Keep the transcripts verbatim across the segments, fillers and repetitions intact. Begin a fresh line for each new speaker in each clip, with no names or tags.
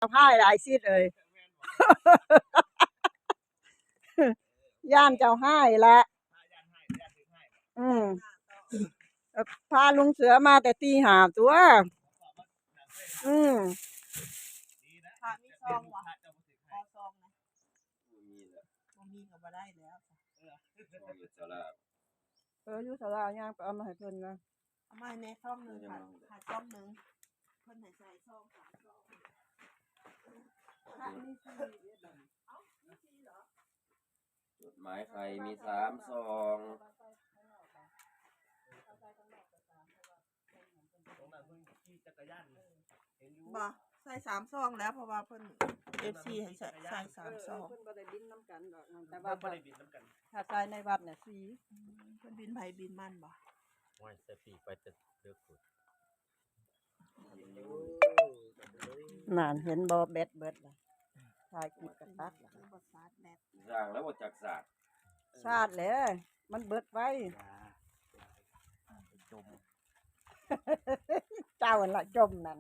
พ่ายหลายสิเอ้ย ย่านเจ้าให้ละอืมพาลุงเสือมาแต่ตีหาตัวอืม
พระมีซองวะขอซองนะบ่มีก็บ่ได้แล้ว
เอออยู่ศาลาย่างไปเอามาให้เพิ่นนะ
เอามาในซองหนึงค่ะค่ะซองหนึงเพิ่นให้ใส่ซองสามซองพระมีสี่เอ้ามีสี่เหรอ
จดหมายใครมีสามซอง
บ่ใส่สามซองแล้วเพราะว่าเพิ่น เอฟ ซี ให้ใส่ใส่สามซอง
เพิ่นบ่ได้บินน้ำกันดอกแต่ว่าบ่ได้บินน้ำกันถ้าใส่ในวัดน่ะสี่
เพิ่นบินไผบินมันบ่
ว่าใส่ปีกไปจะเลือกสุด
นั่นเห็นบ่เบ็ดเบิดล่ะถ่ายคลิปกันตัดล่ะ
บ่ซาดแบต
สร้างแล้วบ่จักศาสตร์
ชาติแล้วมันเบิดไว้
จม
เจ้าหั่นล่ะจมนั่น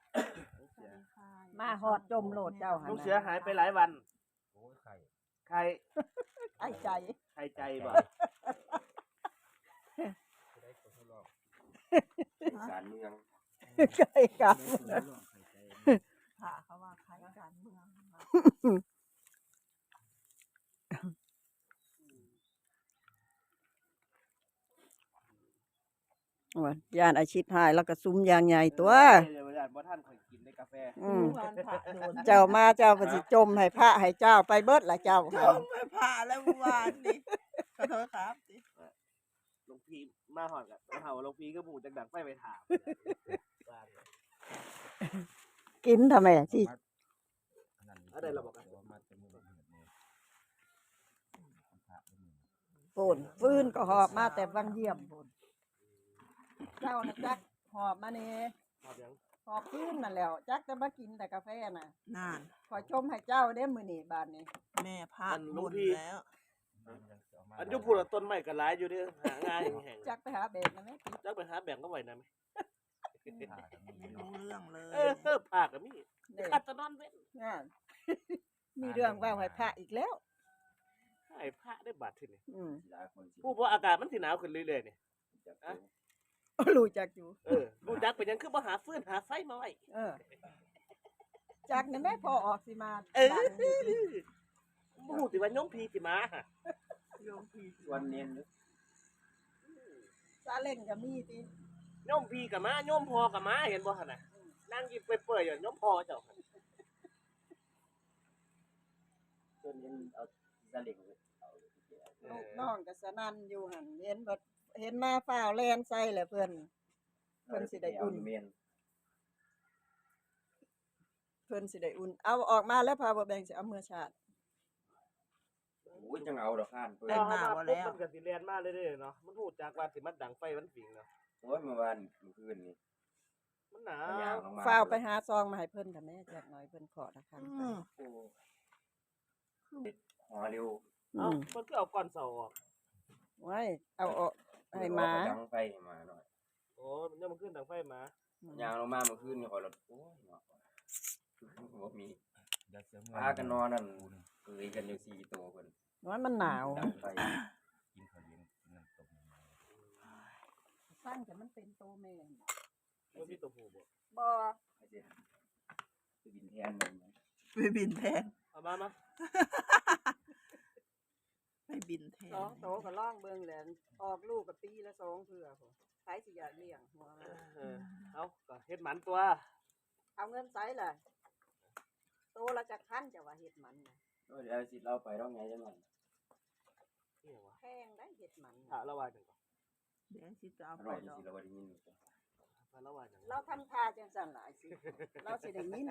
มาฮอดจมโลดเจ้าหั่น
ลูกเสือหายไปหลายวัน
โอ้ยไข่
ใคร
ไอ้ใจ
ใครใจบ่
การเมือง
ใกล้กัน
พระเขาว่าใครการเมือง
ว่าย่านอาชีพหายแล้วก็ซุ้มยางใหญ่ตัว
บ่ทันข่อยกินในกาแฟ
อืมเจ้ามาเจ้าก็สิจมให้พระให้เจ้าไปเบิดล่ะเจ้า
จมให้พระแล้วเมื่อวานนี้ขอโทษครับสิ
หลวงพี่มาฮอดก็เฮาหลวงพี่ก็หมู่จักดังไฟไปถาม
กินทำไมสิ
อะไรเราบอกกัน
โป่นฟื้นก็หอบมาแต่วังเยี่ยมโป่นเจ้าน่ะจักหอบมานี่หอบฟื้นนั่นแล้วจักจะมากินแต่กาแฟน่ะ
นาน
ขอชมให้เจ้าเด้มื้อนี้บาดนี้
แม่พาหมดแล้ว
อันอยู่พูดต้นไม้ก็หลายอยู่เด้อหาง่ายแห้ง
จักไปหาแบกนะแม่
จักไปหาแบ่งก็ไว้นะแม่
ไม่รู้เรื่องเลย
เออภาคก็มีคัดตะนอนเว้น
นั่นมีเรื่องเว้าให้พระอีกแล้ว
ให้พระได้บาดทีนี้
อืม
ผู้บ่อากาศมันสิหนาวขึ้นเรื่อยๆนี่ฮะ
รู้จักอยู่
เออรู้จักเป็นหยังคือบ่หาฟืนหาไฟมาไว้
เออจักนั่นแม่พอออกสิมา
เออบ่ฮู้สิว่าโยมพี่สิมา
โยมพี่
วันเน้น
ซาเล้งก็มีติ
โยมพี่ก็มาโยมพ่อก็มาเห็นบ่หั่นน่ะนั่งยิ้มเปื่อยๆอยู่โยมพ่อเจ้าหั่น
จนเน้นเอาสลิงเอา
ลูกน้องก็สนั่นอยู่หั่นเห็นบ่เห็นมาฟ้าวแล่นใส่แหละเพิ่นเพิ่นสิได้อุ่นเพิ่นสิได้อุ่นเอาออกมาแล้วพาบ่แบ่งสิเอามื้อชาติ
โอ้ยจังเอาดอกข้านเพิ่น
มาบ่แล้วมันก็สิแล่นมาเรื่อยๆเนาะมันฮู้จักว่าสิมันดังไฟมันฝิงเนาะ
โอ้ยเมื่อวานเมื่อคืนนี่
มันหนาว
ฟ้าวไปหาซองมาให้เพิ่นค่ะแม่จักหน่อยเพิ่นขอละครั้ง
โอ้หอเร็ว
เอ้าเพิ่นคือเอาก้อนเสาออก
ไว้เอาออกให้มา
ดังไฟมาหน่อย
โอ้มันยังมันขึ้นดังไฟม
ายางลงมาเมื่อคืนนี่ขอรถโอ้ยเนาะบ่มีพากันนอนนั่นเกยกันอยู่สี่ตัวเพิ่น
น้อยมันหนาว
ดังไฟ
กินข้าวเลี้ยงกินน้ำตก
สร้างแต่มันเป็นโตแม่
บ่มีตัวผู้บ่
บ่
ไปบินแทนมัน
ไปบินแทน
เอามามา
ไปบินแทน
สองโตก็ล่องเบิ่งแหละออกลูกก็ปีละสองเทื่อพุ่นใครสิอยากเลี้ยงหัว
เออเอาก็เฮ็ดหมันตัว
เอาเงินไสล่ะโตละจักพันจะว่าเฮ็ดหมันน่ะ
เดี๋ยวสิเราไปร้องไงจังหน่อย
นี่วะ
แพงได้เฮ็ดหมัน
ถ้าละว่าจังก่อน
เดี๋ยวสิจะเอาไป
ดอกเราบ่ได้ยิน
ถ้าละว่าจัง
เราทำท่าจังซั่นล่ะสิเราสิได้ยิน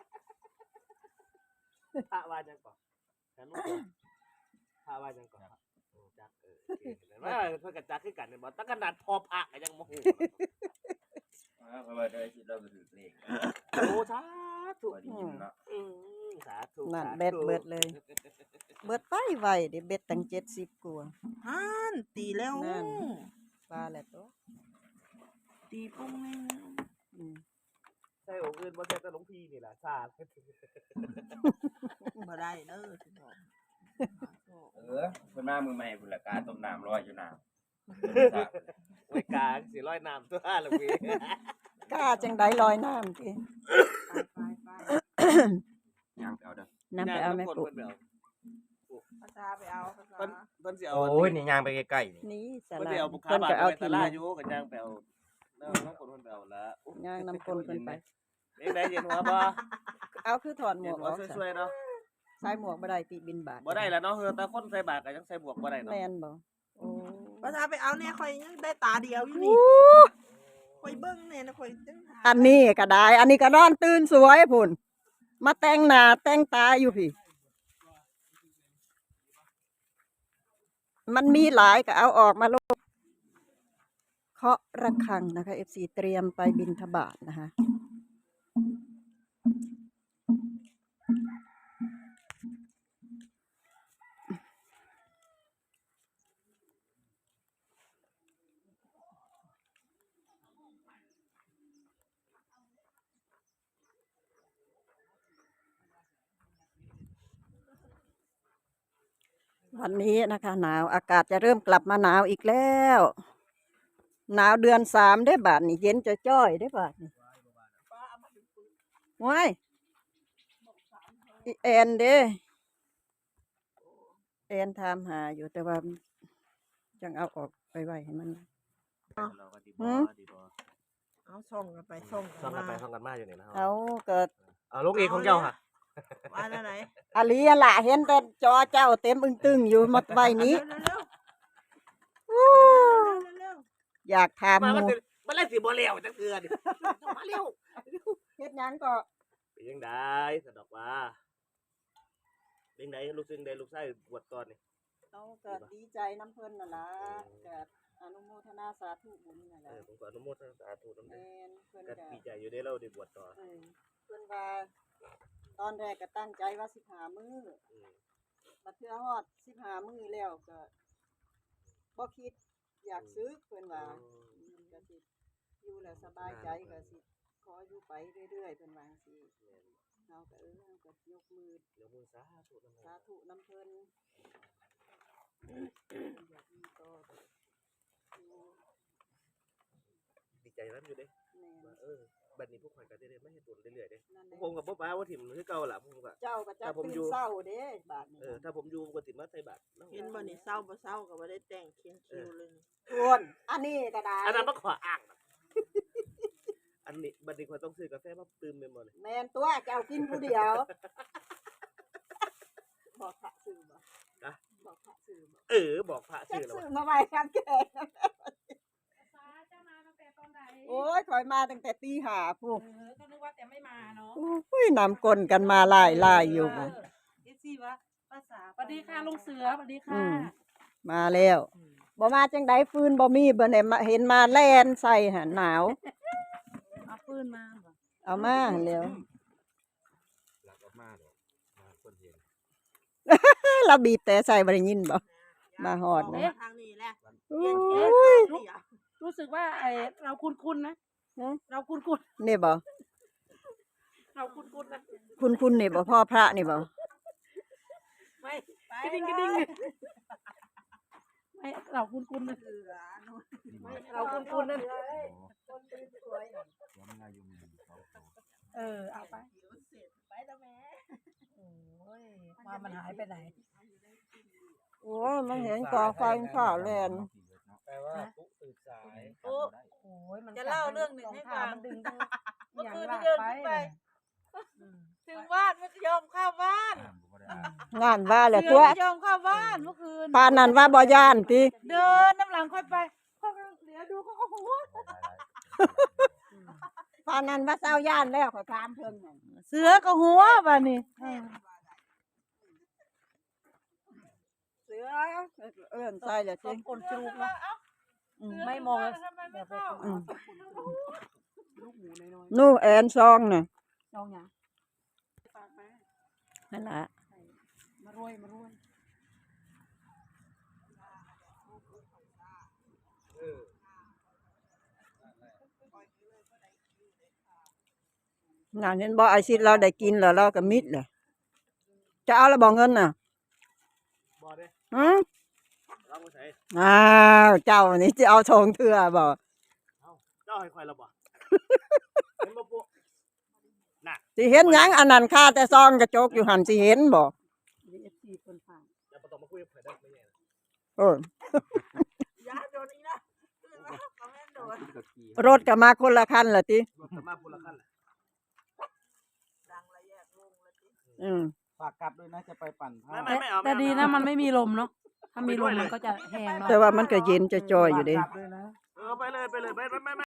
ถ้าว่าจังก่อนแต่ลูกถ้าว่าจังก่อนจักเออว่าเพิ่นก็จักคือกันบ่ตั้งขนาดพอพระก็ยังบ่ฮู้
เพราะว่าได้สิเราก็ถือเลข
โอ้สาธุ
ได้ยินเนาะ
อือสาธุ
นั่นเบ็ดเบิดเลยเบิดไปไว้ดิเบ็ดตั้งเจ็ดสิบกว่า
ห่านตีแล้ว
นั่นปลาแหละตัว
ตีปุ้งแม่
อืม
ใส่องค์อื่นบ่ใส่แต่หลวงพี่นี่ล่ะซา
บ่ได้เด้อสิบอก
เออเพิ่นมามือใหม่พุ่นละกาต้มน้ำร้อยอยู่น้ำ
ไว้กลางสิร้อยน้ำตัวหลวงพี่
กล้าจังไดลอยน้ำติ
ไปไป
ย่างไปเอาเด้อ
นำไปเอาแม่ปุ๊
เพิ่นไปเอา
ภาษาไปเอาภาษา
เพิ่นเพิ่นสิเอา
โอ้ยนี่ย่างไปใกล้ๆนี่
นี่สา
เพิ่น
รา
สิเอาบุคคา
เพิ่น
บา
ก็
ท
เอา
ไป
ที
ต
ม
ลา
มา
ดอยู่ก็ย่างไปเอาแล้วน้องคนเพิ่นไปเอาละ
ย่างนำคนเพิ่นไป
เด็กได้เย็นหัวบ่
เอาคือถอดหม
เย็
วน ก
หั
อ
ว
อกซะ
สวยๆเนาะ
ใส่หมวกบ่ได้ติบินบาท
บ่ได้แล้วเนาะเฮอแต่คนใส่บาตรก็ยังใส่หมวกบ่ได้เนาะ
แม่นบ่โอ้
ภาษาไปเอาเนี่ยข่อยยังได้ตาเดียวอยู่นี่ข่อยเบิ่งเนี่ยนะข่อยจังหา
อันนี้ก็ได้ อันนี้ก็นอนตื่นสวยพุ่นมาแต่งหน้าแต่งตาอยู่พี่ มันมีหลายก็เอาออกมาโลดเคาะระฆังนะคะ เอฟ ซี เตรียมไปบิณฑบาตนะคะ วันนี้นะคะ หนาวอากาศจะเริ่มกลับมาหนาวอีกแล้ว หนาวเดือนสามได้บาทนี่เย็นจะจ้อยได้บาทนี่ว้ายอีแอนเด้แอนถามหาอยู่แต่ว่าจังเอาออกไปไว้ให้มัน
เราก็ดี
หื
บ่
ม
ดีบ่
เอาส่งกันไปส่ง
ซ่อน
กั
กัน นไป
มา
ซ่อนกันมาอยู่นี่นะ
เอาเกิด
เอาลูกเอกของเจ้าค่ะ
ว่าแล้วไหน
อาลีอะล่ะเห็นแต่จอเจ้าเต็มอึ้งตึงอยู่หมดไว้นี้
เร็ว
อู้
ๆเร็ว
อยากถาม
มา
ห
มัน
มู
สิมันเลยสิบ่แล้วจังเทื่อนี่มาเร็ว
เฮ็ดหยังก็
เป็นยังไดสะดอกว่าเป็นไดลูกซึ่งได้ลูกชายบวชก่อนนี่
เอาเกิดดีใจน้ำเพิ่นน่ะล่ะเกิดอนุโมทนาสาธุบุญนั่น
เอ
ล่ะ
อผมก็อนุโมทนาสาธุนำ
แม
เด้อ่
นเพิ่น
ก็
ก็
ดีใจอยู่ได้เราได้บวชต่อ
เออเพิ่นว่าตอนแรกก็ตั้งใจว่าสิบห้ามื้อ
อืม
บัดเทื่อฮอดสิบห้ามื้อแล้วก็บ่คิดอยากซื้อเพิ่นว่าอืมก็สิอยู่แล้วสบายใจก็สิขออยู่ไปเรื่อยๆเพิ่นว่าจังซี่เฮาก็เออเฮาก็ยกมือ
เดี๋ยวมือสาธุนำ
สาธุน้ำเพิ่นอยากมีต่ออยู่
ดีใจนำอยู่เด้
แม่น
ว่าเออบัดนี้พวกข่อยก็ได้ได้มาเฮ็ดบุญเรื่อยๆเด้
นั่นแหละ
ผมก็บ่ป้าว่าถิ่มคือเก่าล่ะผมก็
เจ้าก็จะ
ถ้าผม
ตื่น
อยู่
เศร้าเด้บาดนี้
เออถ้าผมอยู่ก็สิมาใส่บาตรเนาะ
ๆเห็นบ่นี่เศร้าบ่เศร้าก็บ่ได้แต่งเคียงคิวเลยนี่
ชวนอันนี้ก็ได้
อันนั้นบ่ขออ้างนะอันนี้บัดนี้ข่อยต้องซื้อกาแฟมาตื่มแม่นบ่นี่
แม่นตัวเจ้ากินผู้เดียวบอกพระซื้อบ่
นะ
บอกพระซื้อบ่
เออบอกพระ
จะ
ชื่อแล้ว
ซื้อ
ว่า
มาไว้ครับแกโอ้ยถอยมาตั้งแต่ตีห้าพู้
เออก็นึกว่าแต่ไม่มาเนาะ
อุ้ยนำกลนกันมาหลายลายอยู่บ่
เอฟซีว่าภาษา
สวัสดีค่ะลุงเสือสวัสดี
อื
ค่ะ
มมาแล้วบ่มาจังไดฟืนบ่มีบ่ได้มาเห็นมาแล่นใส่หั่นหนาว
เอาปืนมาบ่
เอามาแล้ว
หลักออกมาดอกมาคนเห็น
เราบีบแต่ใส่บ่ได้ยินบ่ มาฮอดนะ
ทางนี้แหละ
อุ้ย
รู้รู้สึกว่าไอเราคุ้นๆนะ
ฮะ
เราคุ้น
นี่บ่
ๆเราคุ้นๆนะ
คุณคุณนี่บ่พ่อพระนี่บ่
ไม่กระดิ่งกระดิ่งไม่เราคุ้นๆนะ
เสือนู่น
ไม่เราคุ้นๆนะ
คนสวยๆน่ะ
ว่ามันอายุมีสองตัว
เออเอาไป
เดี๋ยวเสร็จไปแล้วแม่
โอ้ยว่ามันหายไปไหน
โอ้ยมันเห็นกองไฟข้าวแลน
แปลว่าปุ๊ตื่นสาย
โอ้ยมัน
จะเล่าเรื่องหนึ่งให้ฟัง
มันดึงทั้ง
เมื่อ
อย่าง
คืน
ลาก
เดิน
ไป
ขึ้นไป
อืม
ถึงบ้านไม่ยอมเข้าบ้าน
งานว่าแหละ
เสื
ตั
อ
ว
ไม่ยอมเข้าบ้านเมื่อคืน
ปานนั้นว่าบ่ย่านติ
เดินน้ำหลังค่อยไปค่อยเหลียวดูเขาก็หัว
ปานนั้นว่าเศร้าย่านแล้วขอถามเพิ่นนั่น
เสือก็หัวบ้านนี่
เสือเอิ้นใส่แล้ว
ต้
ติ
มกลจูกนะ
อืม
ไม่มอง
ทำไมไม่เข้า
อืม
ลูกหมูน้อย
นู่แอนซองน่ะ
ๆน้องหยังฝากมา
นั่นล่ะ
มารวยมารวย
เออ
น่ะเห็นบ่ไอซิดเราได้กินแล้วเราก็มิดเลยจะเอาแล้วบ่เงินน่ะ
บ่เด้
ฮะ
เราบ่ใส่
อ้าวเจ้านี่จะเอาทองเทื่อบ่
เจ้าให้ข่อยแล้วบ่ เห็นบ่ปุ๊
สิเห็นหยังอันนั้นค่าแต่ซองกระจกอยู่หั่นสิเห็นบ่
เอฟซีคนฝาก
อย่าบ่ต้องมาคุยกับข่อยได้ไม่แน่นะ
โอ้ย
ยาโดนอีกนะคอมเมนต์โดน
รถก็มาคนละคันล่ะติ
รถก็มาพูดละคันแหละ
ดังละแยกวงละติ
อืม
ฝากกลับด้วยนะจะไปปั่นผ้า
ไม่ไม่ไม่เอา
แต่
ไม่เอา
ดีนะมันไม่มีลมเนาะถ้ามีลมมันก็จะแห้งเนาะ
แต่ว่ามันก็เย็นจะจอยอยู่เด้
ฝากกลับด้วยนะ
เออไปเลยไปเลยไปไปไป